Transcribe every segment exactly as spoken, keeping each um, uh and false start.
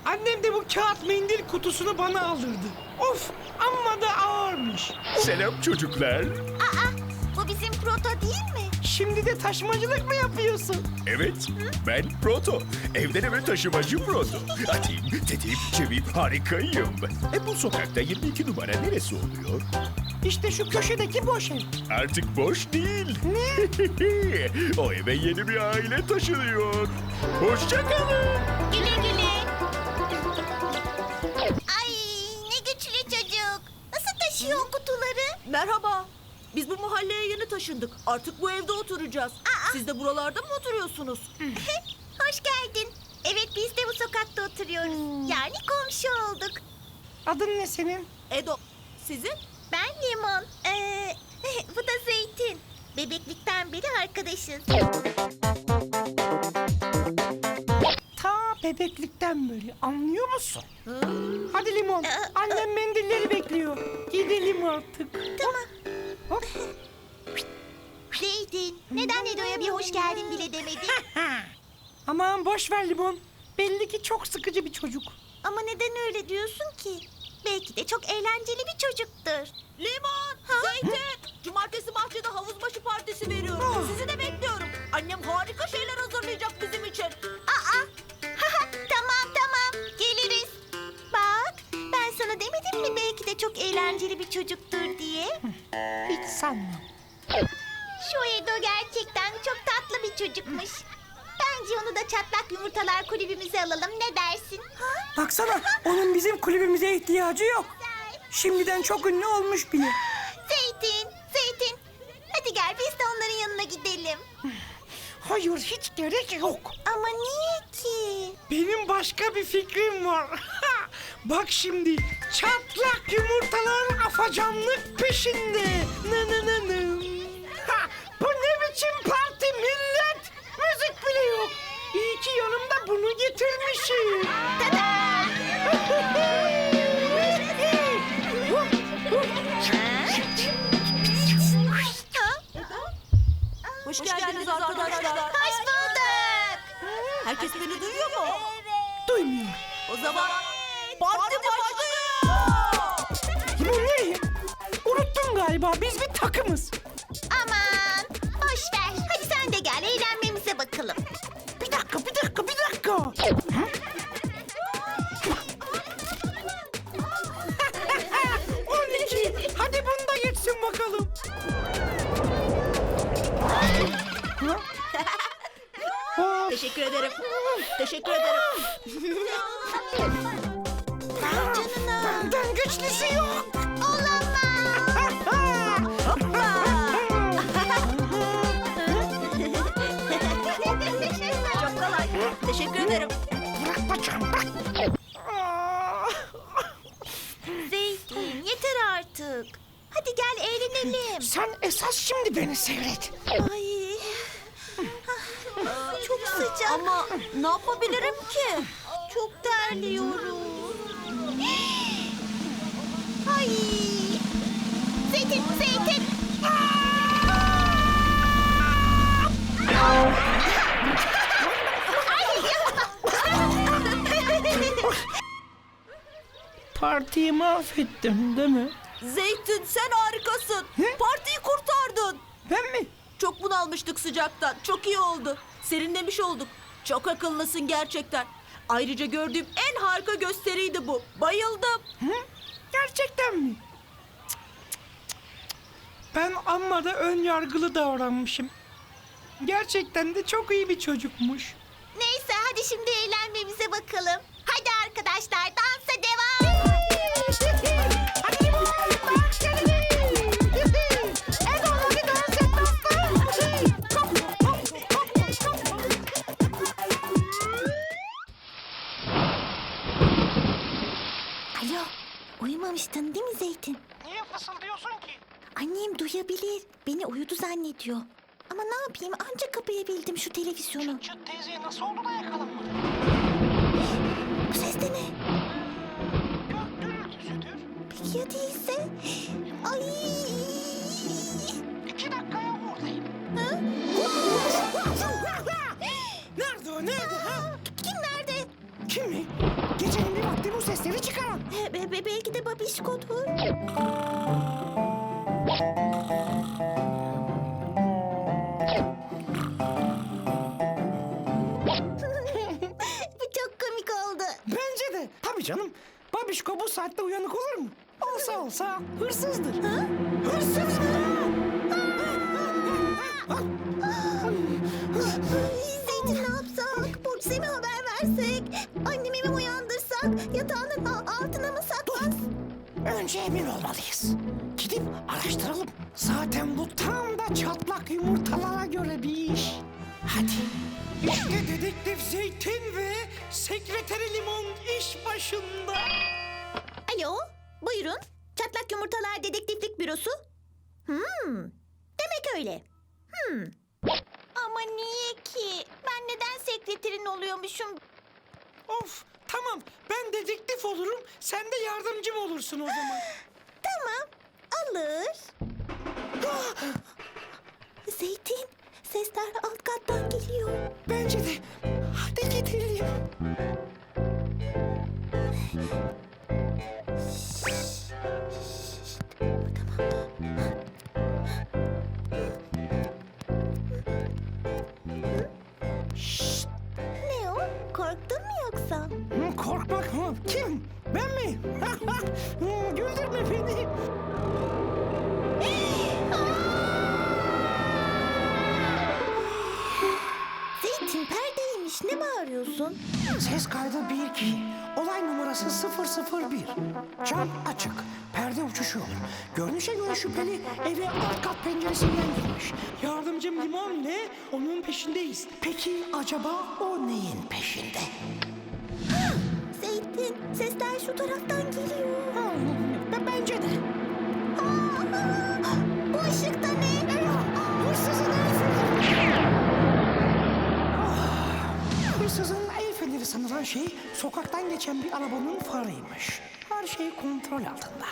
Annem de bu kağıt mendil kutusunu bana aldırdı. Of, amma da ağırmış. Selam çocuklar. Aa, bu bizim proto değil mi? Şimdi de taşımacılık mı yapıyorsun? Evet, ben Proto. Evden eve taşımacı Proto. Atayım, tetiğim, çeviyim, harikayım. E bu sokakta yirmi iki numara neresi oluyor? İşte şu köşedeki boş ev. Artık boş değil. Ne? O eve yeni bir aile taşınıyor. Hoşça kalın. Güle güle. Ay, ne güçlü çocuk. Nasıl taşıyor o kutuları? Merhaba. Biz bu mahalleye yeni taşındık. Artık bu evde oturacağız. Aa! Siz de buralarda mı oturuyorsunuz? Hoş geldin. Evet, biz de bu sokakta oturuyoruz. Yani komşu olduk. Adın ne senin? Edo. Sizin? Ben Limon. Ee, bu da Zeytin. Bebeklikten beri arkadaşız. Ta bebeklikten beri, anlıyor musun? Hadi Limon, annem mendilleri bekliyor. Gidelim artık. Tamam. Hop. Zeytin, neden Edo'ya bir hoş geldin bile demedin? Aman boş ver Limon. Belli ki çok sıkıcı bir çocuk. Ama neden öyle diyorsun ki? Belki de çok eğlenceli bir çocuktur. Limon, Zeytin. Cumartesi bahçede havuz başı partisi veriyorum. Sizi de bekliyorum. Annem harika şeyler hazırlayacak bizim için. Aa, tamam tamam, geliriz. Bak, ben sana demedim mi belki de çok eğlenceli bir çocuktur diye? Hiç sanmam. Şu Edo gerçekten çok tatlı bir çocukmuş. Bence onu da çatlak yumurtalar kulübümüze alalım, ne dersin? Baksana, onun bizim kulübümüze ihtiyacı yok. Şimdiden çok ünlü olmuş bile. Zeytin, Zeytin. Hadi gel biz de onların yanına gidelim. Hayır, hiç gerek yok. Ama niye ki? Benim başka bir fikrim var. Bak şimdi, çatlak yumurtalar afacanlık peşinde. Nı nı nı nı. Ha, bu ne biçim parti millet? Müzik bile yok. İyi ki yanımda bunu getirmişim. Tada! Hoş, geldiniz, arkadaşlar. Hoş bulduk. Herkes beni duyuyor mu? Duymuyor. O zaman parti başlıyor. Bu ne? Unuttun galiba, biz bir takımız. Aman, boş ver. Hadi sen de gel, eğlenmemize bakalım. Bir dakika, bir dakika, bir dakika. Hı? on iki. Hadi bunu da geçsin bakalım. Ha? Of. Teşekkür ederim. Teşekkür ederim. Canına. Benden güçlüsü yok. Olamaz. Çok kolay. Teşekkür ederim. Bırak bacağım, bırak. Aa. Zeytin, yeter artık. Hadi gel eğlenelim. Sen esas şimdi beni seyret. Ay. Çok sıcak. Ama ne yapabilirim ki? Çok terliyorum. Ay. Zeytin, Zeytin. Partiyi mahvettim değil mi? Zeytin sen harikasın. Ne? Partiyi kurtardın. Ben mi? Çok bunalmıştık sıcaktan. Çok iyi oldu. Serinlemiş olduk. Çok akıllısın gerçekten. Ayrıca gördüğüm en harika gösteriydi bu. Bayıldım. Hı? Gerçekten mi? Cık, cık, cık. Ben amma da ön yargılı davranmışım. Gerçekten de çok iyi bir çocukmuş. Neyse hadi şimdi eğlenmemize bakalım. Hadi arkadaşlar dansa devam. Hadi limon, dans edelim. Edo, hadi dans et, dans Alo, uyumamıştın değil mi Zeytin? Niye fısıldıyorsun ki? Annem duyabilir. Beni uyudu zannediyor. Ama ne yapayım, ancak kapayabildim şu televizyonu. Çıt teyzeye nasıl oldu da yakalanmadı? Bu ses de ne? Gök gürültüsüdür. Peki ya değilse? Ay! İki dakikaya buradayım. Ha? Nerede o, nerede ha? Kim nerede? Kim mi? Gecenin bu sesleri çıkaran? Be- be- be- belki de babişkodur. Bu çok komik oldu. Bence de. Tabii canım. Babişko bu saatte uyanık olur mu? Olsa olsa hırsızdır. Ha? Hırsız mı? Zeytin ne yapsak? Polise mi haber versek? Annemi mi uyandırsak? Yatağının a- altına mı saklas? Önce emin olmalıyız. Gidip araştıralım. Zaten bu tam da çatlak yumurtalara göre bir iş. Hadi. İşte dedektif Zeytin ve sekreteri Limon iş başında. Alo, buyurun. Çatlak Yumurtalar Dedektiflik Bürosu. Hmm, demek öyle. Hmm. Ama niye ki? Ben neden sekreterin oluyormuşum? Of, tamam. Ben dedektif olurum. Sen de yardımcım olursun o zaman. Tamam, alır. Zeytin, sesler alt kattan geliyor. Bence de. Hadi gidelim. Ne o? Korktun mu yoksa? Hı, korkmak mı? Kim? Ben mi? Hı, güldürme beni. Zeytin perdeymiş. Ne bağırıyorsun? Ses kaydı bir iki. Olay numarası sıfır sıfır bir. Cam açık. Perde uçuşuyor. Görünüşe göre şüpheli eve alt kat penceresinden girmiş. Yardımcım Limon ne? Onun peşindeyiz. Peki acaba o neyin peşinde? Zeytin, sesler şu taraftan geliyor. Ha, b- bence de. Aa, bu ışıkta ne? Hırsızın el feneri. Ah, Hırsızın el feneri sanılan şey sokaktan geçen bir arabanın farıymış. Her şey kontrol altında.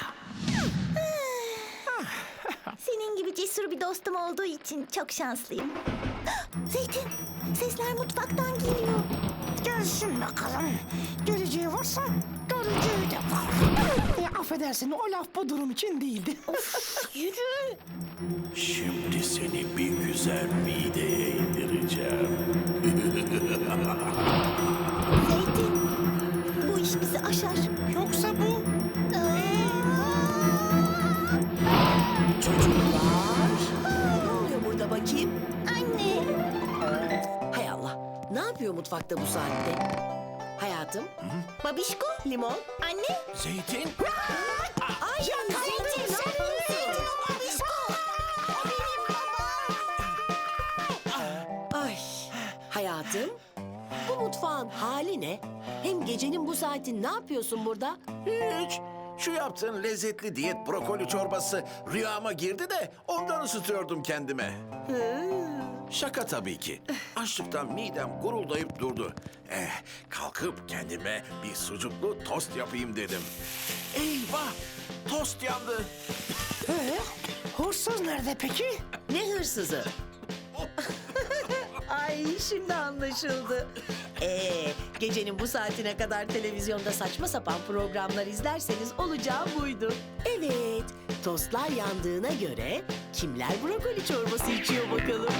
Senin gibi cesur bir dostum olduğu için çok şanslıyım. Zeytin, sesler mutfaktan geliyor. Gelsin bakalım. Geleceği varsa göreceği de var. E, affedersin o laf bu durum için değildi. Yürü. Şimdi seni bir güzel mideye indireceğim. Zeytin, bu iş bizi aşar. Yoksa bu... Çocuklar. Ne oluyor burada bakayım? Anne, Hay Allah. Ne yapıyor mutfakta bu saatte? Hayatım. babişko, Limon. anne. Zeytin, Ay Zeytin ne yapıyorsun? Zeytin, o babişko. O benim babam. Ay hayatım. Bu mutfağın hali ne? Hem gecenin bu saati ne yapıyorsun burada? hiç. Şu yaptığın lezzetli diyet brokoli çorbası rüyama girdi de ondan ısıtıyordum kendime. Şaka tabii ki. Açlıktan midem guruldayıp durdu. Eh, kalkıp kendime bir sucuklu tost yapayım dedim. Eyvah! Tost yandı. Ee, hırsız nerede peki? Ne hırsızı? Ay şimdi anlaşıldı. Ee, gecenin bu saatine kadar televizyonda saçma sapan programlar izlerseniz olacağı buydu. Evet, tostlar yandığına göre kimler brokoli çorbası içiyor bakalım?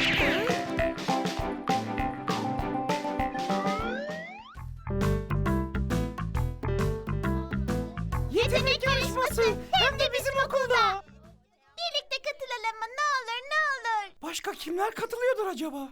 Yetenek yarışması hem de bizim okulda. Birlikte katılalım mı? Ne olur ne olur. Başka kimler katılıyordur acaba?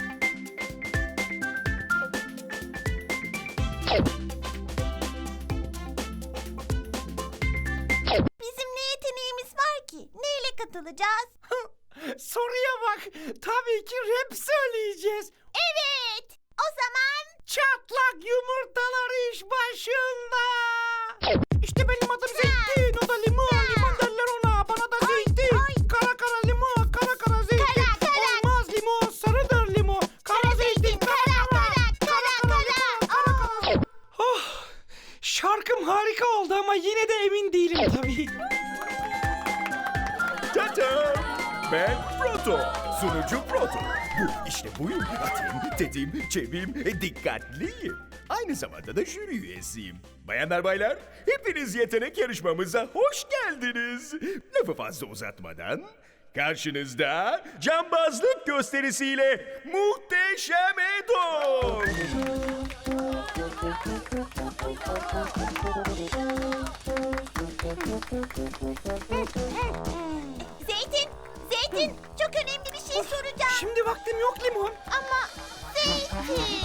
Bizim ne yeteneğimiz var ki? Neyle katılacağız? Soruya bak. Tabii ki rap söyleyeceğiz. Evet. O zaman Çatlak yumurtalar iş başında. İşte benim adım Zeytin, o da limon. Limon derler ona, bana da zeytin. ay. Kara kara limon, kara kara zeytin. Kara, kara. Olmaz limon, sarıdır limon. Kara zeytin, kara kara. kara kara. Aa. Oh, şarkım harika oldu ama yine de emin değilim tabii. Tata! Ben Proto. Sunucu Proto. Bu işte buyum. Atayım, tetiğim, çeviyim, e, dikkatliyim. Aynı zamanda da jüri üyesiyim. Bayanlar baylar, hepiniz yetenek yarışmamıza hoş geldiniz. Lafı fazla uzatmadan karşınızda cambazlık gösterisiyle Muhteşem Edo. Zeytin, Zeytin çok önemli bir şey soracağım. Şimdi vaktim yok Limon. Ama Zeytin.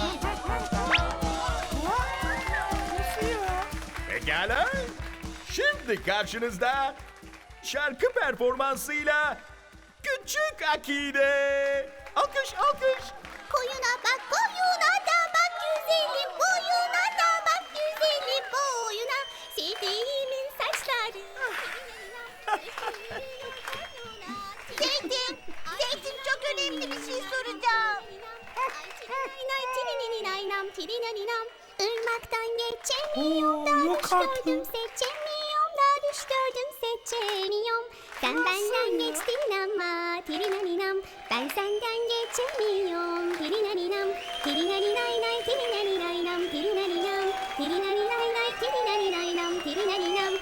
Nasıl ya? Pekala. Şimdi karşınızda şarkı performansıyla Küçük Akide. Alkış, alkış. Koyuna bak, koyuna da bak güzelim, boyuna da bak güzelim, boyuna. Sevdiğimin saçları. Zeytin, Zeytin çok önemli bir şey soracağım. Irmaktan geçemiyorum da Oo, yok artık. düştürdüm seçemiyorum da düştürdüm seçemiyorum. Sen benden geçtin ama tirinaninam. Ben senden geçemiyorum tirinaninam. Tirinaninay tirinaninaynam tirinaninam. Tirinaninay tirinaninaynam tirinaninam.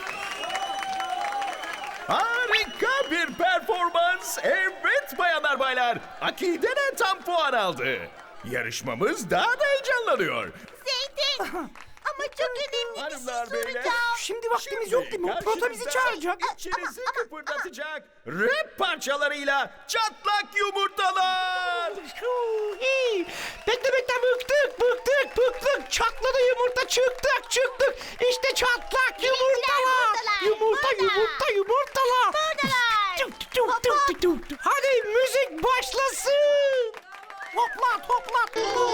Harika bir performans. Evet bayanlar baylar. Akide'den tam puan aldı. Yarışmamız daha da heyecanlanıyor. Zeytin ama çok önemli bir şey Hanımlar beyler. soracağım. Şimdi vaktimiz yok Limon. Proto bizi çağıracak. İçinizi kıpırdatacak rap parçalarıyla çatlak yumurtalar. Huu, iyi. Bekle bekle bıktık bıktık bıktık. Çatladı yumurta çıktık çıktık. İşte çatlak yumurtalar. buradalar, Yumurta burada. yumurta yumurtalar. Buradalar. Tuk, tuk, tuk, tuk, tuk, tuk. Hadi müzik başlasın. Hoplat hoplat.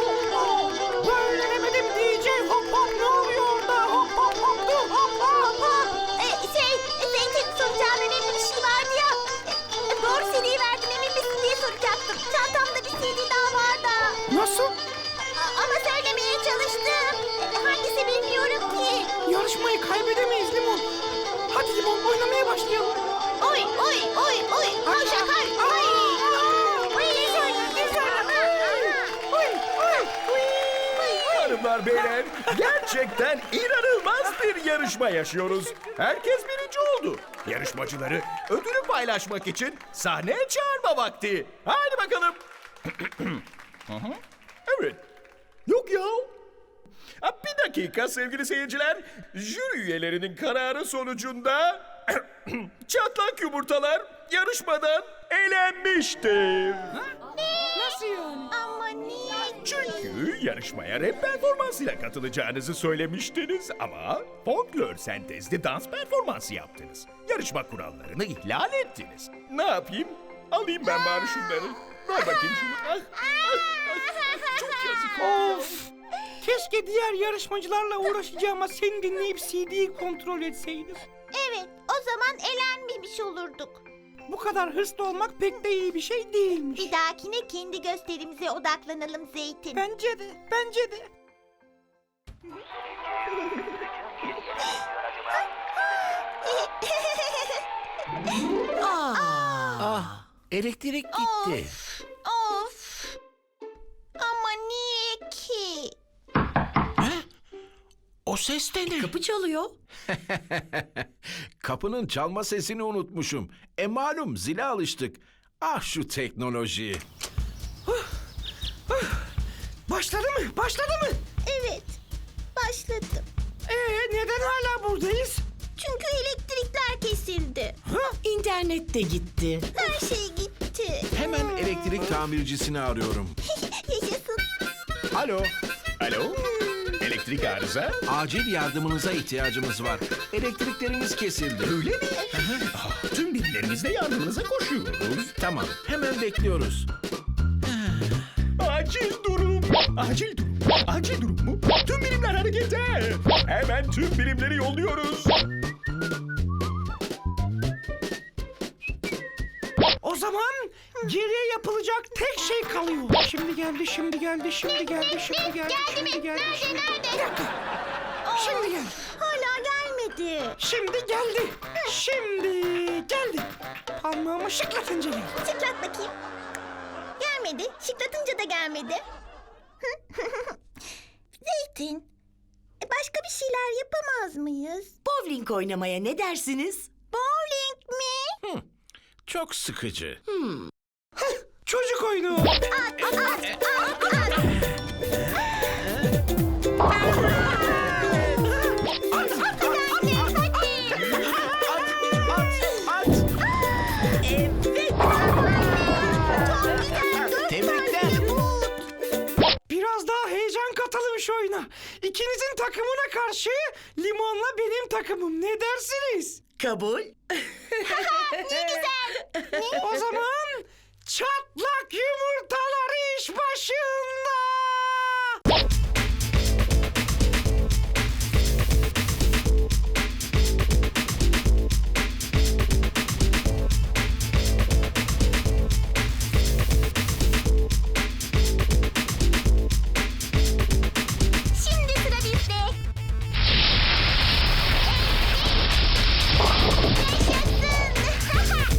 Böyle demedim D J hop hop ne oluyor orada? Hop hop hop hop hop hop hop. Ee, şey, Zeytin soracağım önemli bir şey vardı ya. Ee, doğru C D'yi verdim emin misin diye soracaktım. Çantamda bir C D daha var da. Nasıl? A- ama söylemeye çalıştım. Ee, hangisi bilmiyorum ki. Yarışmayı kaybedemeyiz Limon. Hadi Limon oynamaya başlayalım. Oy oy oy oy. Koş akar. Oy. Oy güzel güzel. Oy oy oy. Hanımlar beyler gerçekten inanılmaz bir yarışma yaşıyoruz. Herkes birinci oldu. Yarışmacıları ödülü paylaşmak için sahneye çağırma vakti. Haydi bakalım. Hı hı. Evet. Yok ya. Ha, bir dakika sevgili seyirciler. Jüri üyelerinin kararı sonucunda çatlak yumurtalar yarışmadan elenmiştir. Nasıl yani? Ama niye? Çünkü yarışmaya rap performansıyla katılacağınızı söylemiştiniz ama folklor sentezli dans performansı yaptınız. Yarışma kurallarını ihlal ettiniz. Ne yapayım? Alayım ben bari şunları. Ver bakayım şunu. Ah, ah, ah. Çok yazık oldu. Of! Keşke diğer yarışmacılarla uğraşacağıma seni dinleyip C D'yi kontrol etseydim. Evet o zaman elenmemiş olurduk. Bu kadar hırslı olmak pek de iyi bir şey değilmiş. Bir dahakine kendi gösterimize odaklanalım Zeytin. Bence de, bence de. Ah, elektrik gitti. Of. Ama niye ki? O ses de ne? Kapı çalıyor. Kapının çalma sesini unutmuşum. E malum zile alıştık. Ah şu teknoloji. Başladı mı? Başladı mı? Evet. Başladım. Ee, neden hala buradayız? Çünkü elektrikler kesildi. Ha? İnternet de gitti. Her şey gitti. Hemen elektrik tamircisini arıyorum. Yaşasın. Alo, Alo? Elektrik arıza? acil yardımınıza ihtiyacımız var. Elektriklerimiz kesildi. Öyle mi? Ah, tüm birimlerimizle yardımınıza koşuyoruz. Tamam, hemen bekliyoruz. Acil durum. Acil durum. Acil durum mu? Tüm birimler harekete. Hemen tüm birimleri yolluyoruz. O zaman geriye yapılacak tek şey kalıyor. Şimdi geldi, şimdi geldi, şimdi geldi, şimdi geldi, şimdi geldi. Şimdi... Bir dakika. Şimdi geldi. Hala gelmedi. Şimdi geldi. Şimdi geldi. Parmağımı şıklatınca geldi. Şıklat bakayım. gelmedi. Şıklatınca da gelmedi. Zeytin, e, başka bir şeyler yapamaz mıyız? Bowling oynamaya ne dersiniz? Bowling mi? Çok sıkıcı. Çocuk oyunu. At, at, at, at. Biraz daha heyecan katalım şu oyuna. İkinizin takımına karşı Limon'la benim takımım. Ne dersiniz? Kabul. O zaman çatlak yumurtalar iş başında. Şimdi sıra bizde. Yaşasın.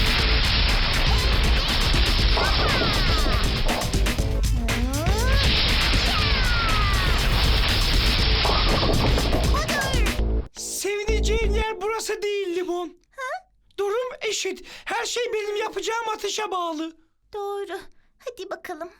Sevineceğin yer burası değil Limon. Durum eşit. Her şey benim yapacağım atışa bağlı. Doğru. Hadi bakalım.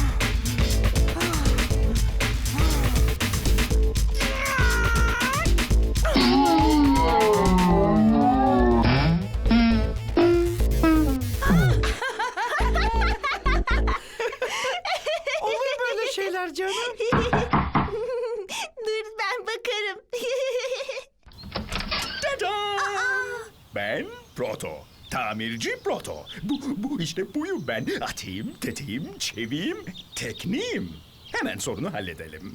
Olur böyle şeyler canım. Dur ben bakarım. Ben Proto. Tamirci Proto. Bu, bu işte buyum ben. Atayım, tetiğim, çeviyim, tekniğim. Hemen sorunu halledelim.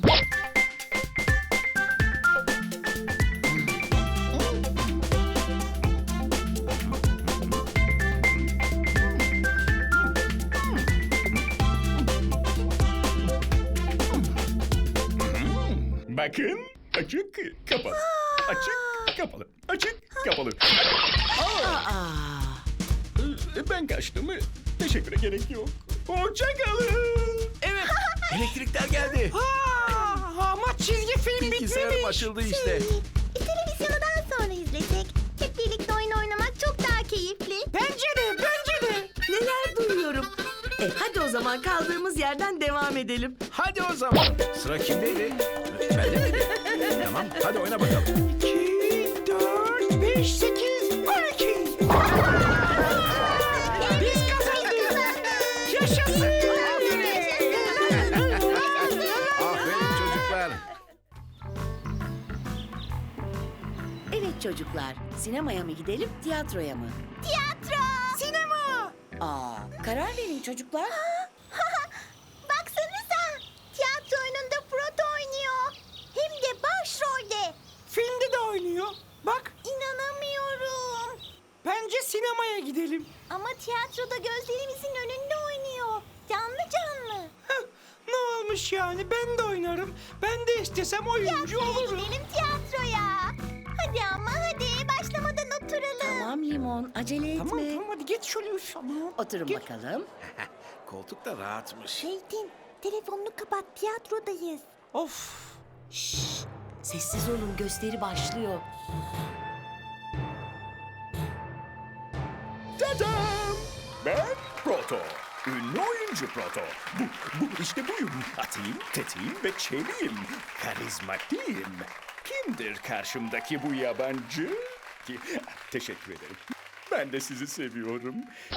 Bakın, açık, kapalı. Açık, kapalı. Açık, kapalı. Aa. Ben kaçtım. Teşekküre gerek yok. Hoşça kalın. Evet, elektrikler geldi. Aa, ama çizgi film Bilgisayarım bitmemiş. açıldı işte. E, televizyonu daha sonra izlesek. Hep birlikte oyun oynamak çok daha keyifli. Bence de, bence de. Neler duyuyorum. E hadi o zaman kaldığımız yerden devam edelim. Hadi o zaman. Sıra kimdeydi? Bende miydi? Tamam, hadi oyna bakalım. iki, dört, beş, sekiz, on iki. Biz kazandık. Yaşasın. Aferin çocuklar. Evet çocuklar, sinemaya mı gidelim, tiyatroya mı? Tiyatro. Sinema. Aa, karar verin çocuklar. Baksanıza. Tiyatro oyununda Proto oynuyor. Hem de başrolde. Filmde de oynuyor. Bak, İnanamıyorum. bence sinemaya gidelim. Ama tiyatroda gözlerimizin önünde oynuyor. Canlı canlı. Heh, ne olmuş yani? Ben de oynarım. Ben de istesem oyuncu Tiyatroya olurum. gidelim tiyatroya. Hadi ama hadi başlamadan oturalım. Tamam Limon, acele etme. Tamam tamam hadi git şöyle üf aman. Oturun Git. bakalım. Koltuk da rahatmış. Zeytin, telefonunu kapat, tiyatrodayız. Of. Şşş, sessiz olun, gösteri başlıyor. Tadam! Ben Proto. Ünlü oyuncu Proto. Bu, bu işte buyum. Atayım, tetiğim ve çeviyim. Karizmatiğim. Kimdir karşımdaki bu yabancı? Ki, teşekkür ederim. Ben de sizi seviyorum.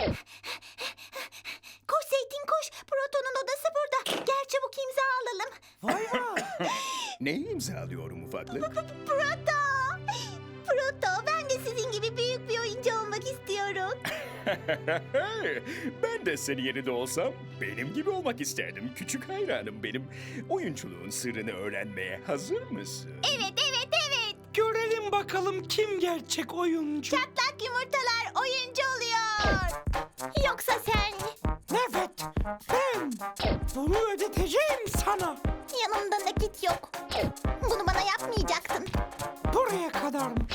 Koş Zeytin koş, Proto'nun odası burada. Gel çabuk imza alalım. Vay vay. Neyi imzalıyorum ufaklık? Proto! Proto, ben de sizin gibi büyük bir oyuncu olmak istiyorum. Ben de senin yerinde olsam benim gibi olmak isterdim. Küçük hayranım benim. Oyunculuğun sırrını öğrenmeye hazır mısın? Evet, evet, evet. Görelim bakalım kim gerçek oyuncu. Çatlak yumurtalar oyuncu oluyor. Yoksa sen Evet, ben bunu ödeteceğim sana. yanımda nakit yok. Bunu bana yapmayacaktın. Buraya kadarmış.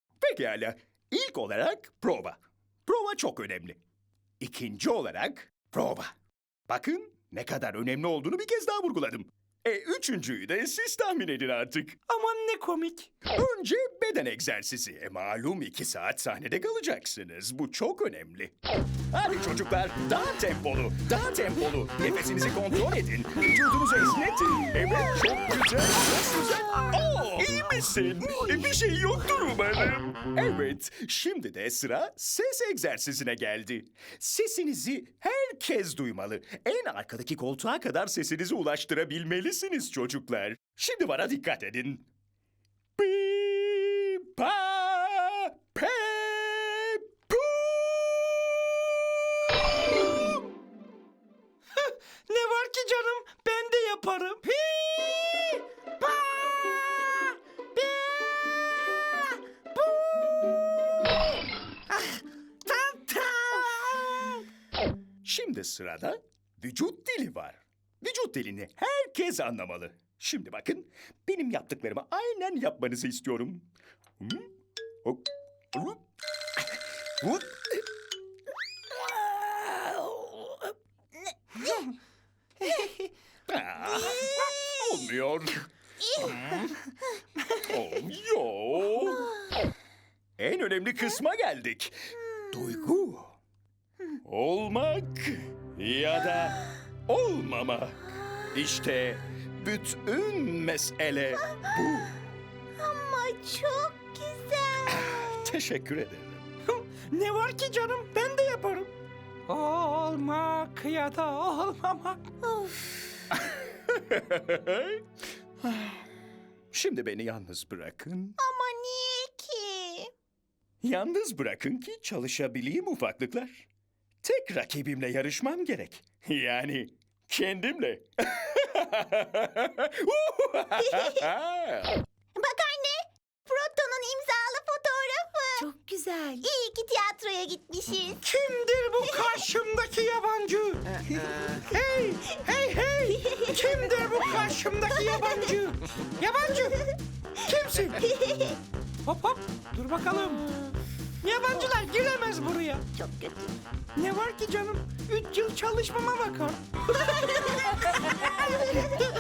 Pekala. İlk olarak prova. Prova çok önemli. İkinci olarak Prova. Bakın ne kadar önemli olduğunu bir kez daha vurguladım. E üçüncüyü de siz tahmin edin artık. Aman ne komik. Önce beden egzersizi. E malum iki saat sahnede kalacaksınız. Bu çok önemli. Hadi çocuklar daha tempolu, daha tempolu. Nefesinizi kontrol edin. Vücudunuzu esnetin. Evet çok güzel, çok güzel. Oo, iyi misin? E, bir şey yoktur umarım. Evet, şimdi de sıra ses egzersizine geldi. Sesinizi herkes duymalı. En arkadaki koltuğa kadar sesinizi ulaştırabilmelisiniz çocuklar. Şimdi bana dikkat edin. Pi, pa, pe, pu. Ne var ki canım? Ben de yaparım. Hi, pa, pi, bu. Ah, tam tam. Şimdi sırada vücut dili var. Vücut dilini herkes anlamalı. Şimdi bakın, benim yaptıklarımı aynen yapmanızı istiyorum. Hı? Hop, hop, hop. Ah, olmuyor. Olmuyor. En önemli kısma geldik. Duygu. Olmak ya da olmama. İşte bütün mesele bu. Ama çok güzel. Teşekkür ederim. Ne var ki canım? Ben de yaparım. Olmak ya da olmamak. Şimdi beni yalnız bırakın. Ama niye ki? Yalnız bırakın ki çalışabileyim ufaklıklar. Tek rakibimle yarışmam gerek. Yani kendimle. Bak anne, Proto'nun imzalı fotoğrafı. Çok güzel. İyi ki tiyatroya gitmişiz. Kimdir bu karşımdaki yabancı? Hey, hey, hey! Kimdir bu karşımdaki yabancı? Yabancı! Kimsin? Hop hop, dur bakalım. Yabancılar giremez buraya. Çok kötü. Ne var ki canım? Üç yıl çalışmama bakar.